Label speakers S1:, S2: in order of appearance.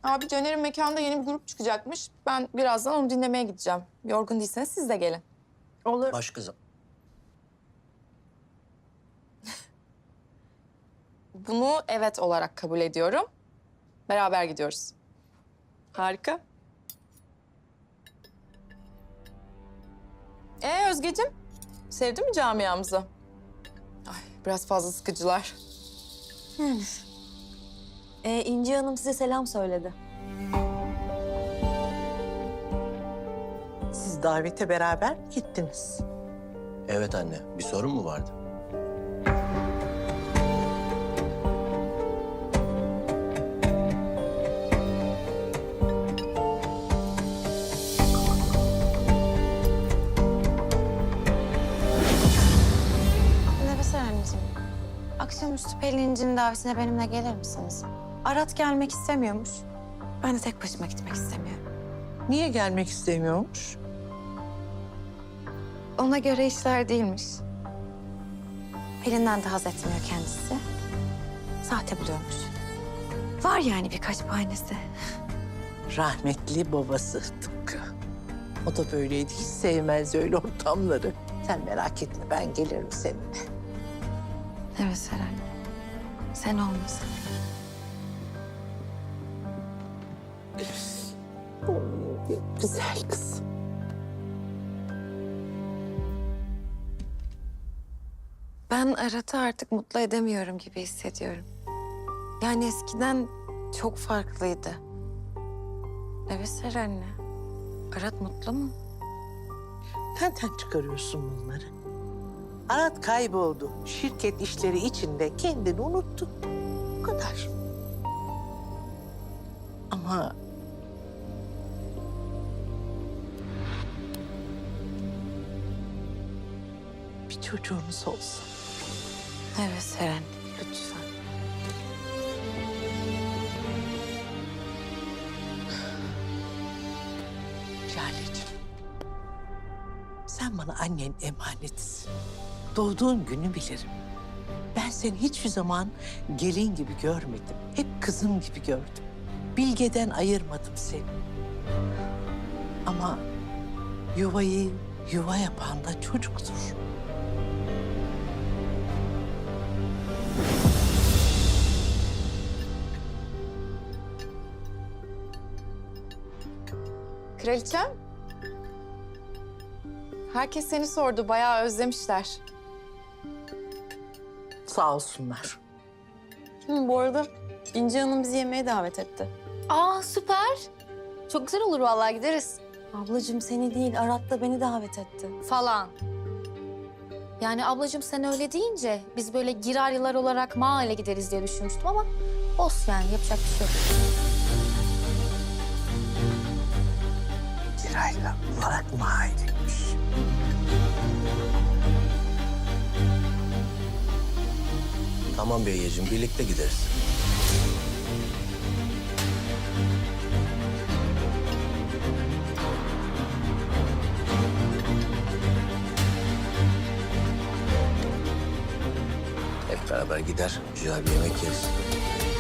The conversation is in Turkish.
S1: Abi Caner'in mekanda yeni bir grup çıkacakmış. Ben birazdan onu dinlemeye gideceğim. Yorgun değilseniz siz de gelin.
S2: Olur.
S3: Baş kızım.
S1: Bunu evet olarak kabul ediyorum. Beraber gidiyoruz. Harika. Özgeciğim, sevdin mi camiamızı? Ay, biraz fazla sıkıcılar.
S2: İnci Hanım size selam söyledi.
S4: Siz davete beraber mi gittiniz?
S3: Evet anne, bir sorun mu vardı?
S5: Nefes anneciğim. Akşamüstü Pelin'cinin davetine benimle gelir misiniz? Arat gelmek istemiyormuş. Ben de tek başıma gitmek istemiyorum.
S4: Niye gelmek istemiyormuş?
S5: Ona göre işler değilmiş. Pelin'den de haz etmiyor kendisi. Sahte buluyormuş. Var yani birkaç bahanesi.
S4: Rahmetli babası tıpkı. O da böyleydi. Hiç sevmez öyle ortamları. Sen merak etme, ben gelirim seninle.
S5: Evet Seren. Sen olmasın.
S4: Güzel kız.
S5: Ben Arat'ı artık mutlu edemiyorum gibi hissediyorum. Yani eskiden çok farklıydı. Evet Seren'le. Arat mutlu mu?
S4: Nereden çıkarıyorsun bunları? Arat kayboldu. Şirket işleri içinde kendini unuttu. Bu kadar. Ama bir çocuğumuz olsa.
S5: Evet Seren, lütfen.
S4: Lale'ciğim, sen bana annen emanetisin. Doğduğun günü bilirim. Ben seni hiçbir zaman gelin gibi görmedim. Hep kızım gibi gördüm. Bilgeden ayırmadım seni. Ama yuvayı yuva yapan da çocuktur.
S1: Kraliçem. Herkes seni sordu. Bayağı özlemişler.
S4: Sağ olsunlar.
S2: Bu arada İnci Hanım bizi yemeğe davet etti.
S6: Aa süper. Çok güzel olur vallahi gideriz
S2: Ablacığım seni değil, Arat da beni davet etti.
S6: falan. Yani ablacığım sen öyle deyince biz böyle giraryalar olarak mahalle gideriz diye düşünmüştüm ama olsun yani yapacak bir şey yok.
S4: Kirayla olarak mahalleymiş.
S3: Tamam Beyyeciğim, birlikte gideriz. Hep beraber gider, güzel bir yemek yeriz.